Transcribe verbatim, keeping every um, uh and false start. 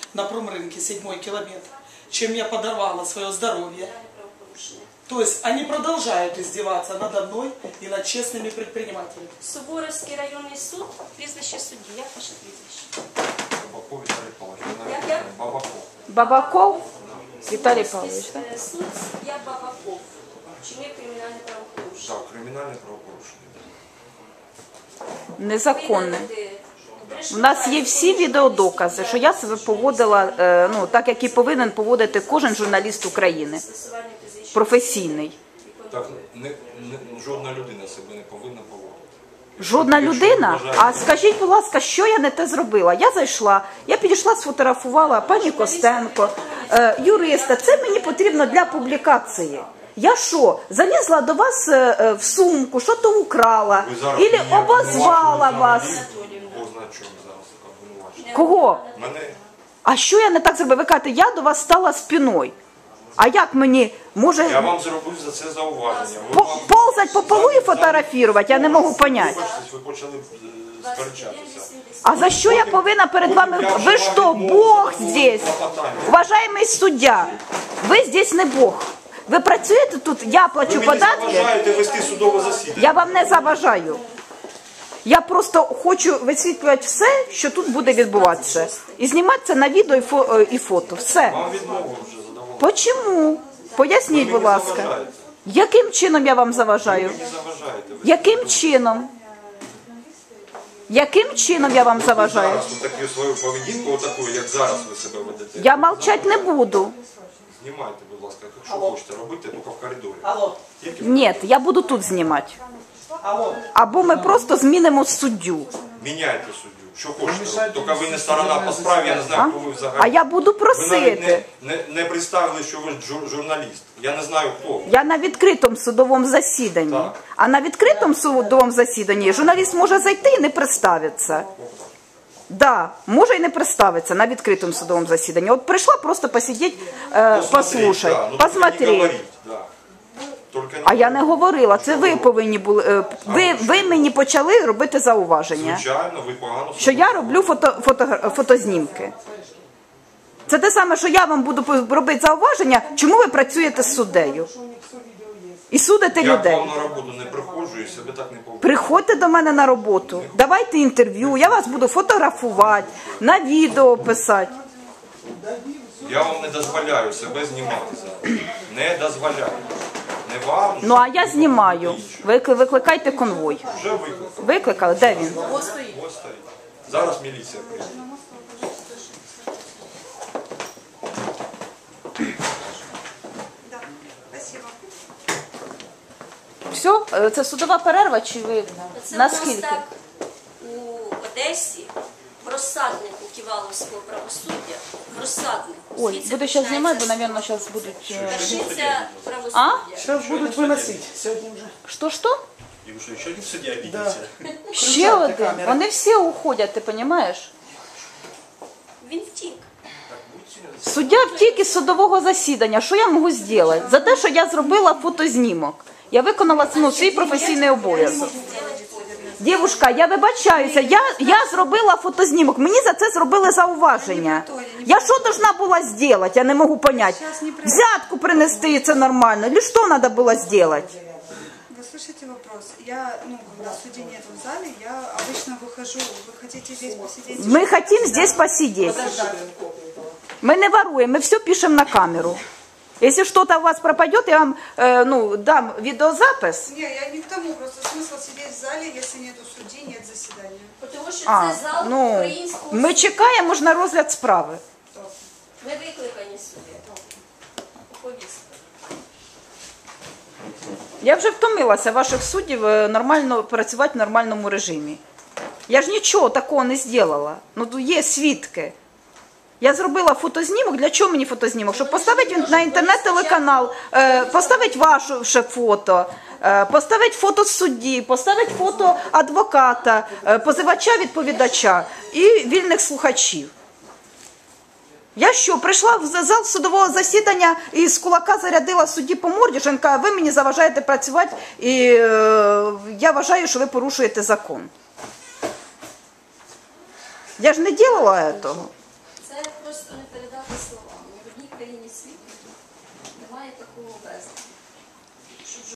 на промрынке, седьмой километр, чем я подорвала свое здоровье. То есть они продолжают издеваться надо мной и над честными предпринимателями. Суворовський районний суд, прізвище судді. Як ваше прізвище? Бабаков Виталий Павлович. Як, як? Бабаков. Бабаков Віталій Павлович, так? Суд, я Бабаков. Чинив кримінальне правопорушення. Так, кримінальне правопорушення. Незаконне. У нас є всі відеодокази, що я себе поводила, е, ну, так, як і повинен поводити кожен журналіст України. Професійний. Так, не, не, жодна людина себе не повинна поводити. Жодна людина? А скажіть, будь ласка, що я не те зробила? Я зайшла, я підійшла, сфотографувала пані Костенко, е, юриста. Це мені потрібно для публікації. Я що, залізла до вас е, в сумку, що то украла, або обозвала вас. Кого? Мене. А що я не так зробила? Ви кажете, я до вас стала спиною. А як мені, може... Я вам зробив за це зауваження. Ви По, вам... ползать по полу і фотографувати, я не можу поняти. Ви почали сперечатися. А за що я повинна перед вами... Ви що, Бог здесь? Уважаемый суддя, ви здесь не Бог. Ви працюєте тут, я плачу ви податки. Ви заважаєте вести судове засідання. Я вам не заважаю. Я просто хочу висвітлювати все, що тут буде відбуватися. І знімати це на відео і, фо, і фото. Все. Вам відмову вже задавали. Чому? Поясніть, будь ласка. Яким чином я вам заважаю? Ви мені заважаєте. Ви Яким чином? Яким чином я вам заважаю? зараз таку свою поведінку, отаку, як зараз ви себе ведете. Я мовчать не буду. Знімайте, будь ласка, якщо хочете робити, тільки в коридорі. Алло, Тільки Ні, я буду тут знімати. алло. Або ми просто змінимо суддю. міняйте суддю. Що хочете робити. Тільки ви не сторона по справі, я не знаю, хто ви взагалі. А я буду Ви навіть не, просити. не, не представили, що ви жур, журналіст. Я не знаю, хто ви. Я на відкритому судовому засіданні. Так. А на відкритому судовому засіданні журналіст може зайти і не представитися. Да, може і не представитися на відкритому судовому засіданні. От прийшла просто посидіти, е, послухати, да, ну, посмотреть. не говоріть, да. Тільки А я не говорила, це ви повинні були, е, ви, ви мені почали робити зауваження, Звичайно, ви погано що я роблю фото, фото, фотознімки. Це те саме, що я вам буду робити зауваження, чому ви працюєте з суддею і судите Я людей. к вам на роботу не приходжу і себе так не поводжу. Приходьте до мене на роботу, давайте інтерв'ю, я вас буду фотографувати, на відео писати. Я вам не дозволяю себе знімати зараз. Не дозволяю. Не вам. Ну а я знімаю. Викли- Викликайте конвой. Вже викликав. Викликали? Де він? Ось стоїть. Зараз міліція прийде. Все? Е, Це судова перерва чи ви? Це у Наскільки? нас так у Одесі, в розсаднику Ківаловського правосуддя, в розсаднику. Ой, Звідси буду зараз знімати, бо, починається мабуть, зараз будуть... е, Вершиться А? правосуддя. Сейчас будут выносить. Сегодня уже. Що-що? И вы что, еще один судья обиделся? Ще один. Вони всі уходять, ти розумієш? Він втік. Суддя втік із судового засідання. Що я можу зробити? За те, що я зробила фотознімок. Я виконала ну, свій професійний обов'язок. Дівушка, я вибачаюся, я, я зробила фотознімок, мені за це зробили зауваження. Я що должна була зробити, я не можу зрозуміти. Взятку принести, і це нормально, чи що треба було зробити? Вы слышите вопрос? Я, ну, когда судей нет в зале, я обычно выхожу. Вы хотите здесь посидеть? Ми хочемо здесь посидеть. Ми не воруємо, ми все пишемо на камеру. Если что-то у вас пропадет, я вам э, ну, дам видеозапис. Не, я не к тому, просто смысл сидеть в зале, если нету судей, нет заседания. Тому що А, це зал ну, українського ми суду. чекаємо ж на розгляд справи. Ми викликані сюди. Повістка. Я вже втомилася ваших суддів е, нормально працювати в нормальному режимі. Я ж нічого такого не зробила. Ну, є свідки. Я зробила фотознімок. Для чого мені фотознімок? Щоб поставити на інтернет-телеканал, е, поставити ваше ще фото, е, поставити фото судді, поставити фото адвоката, е, позивача-відповідача і вільних слухачів. Я що, прийшла в зал судового засідання і з кулака зарядила судді по морді, що він каже, ви мені заважаєте працювати і е, я вважаю, що ви порушуєте закон. Я ж не робила цього. Це просто не передати словами. В одній країні світу немає такого безладу.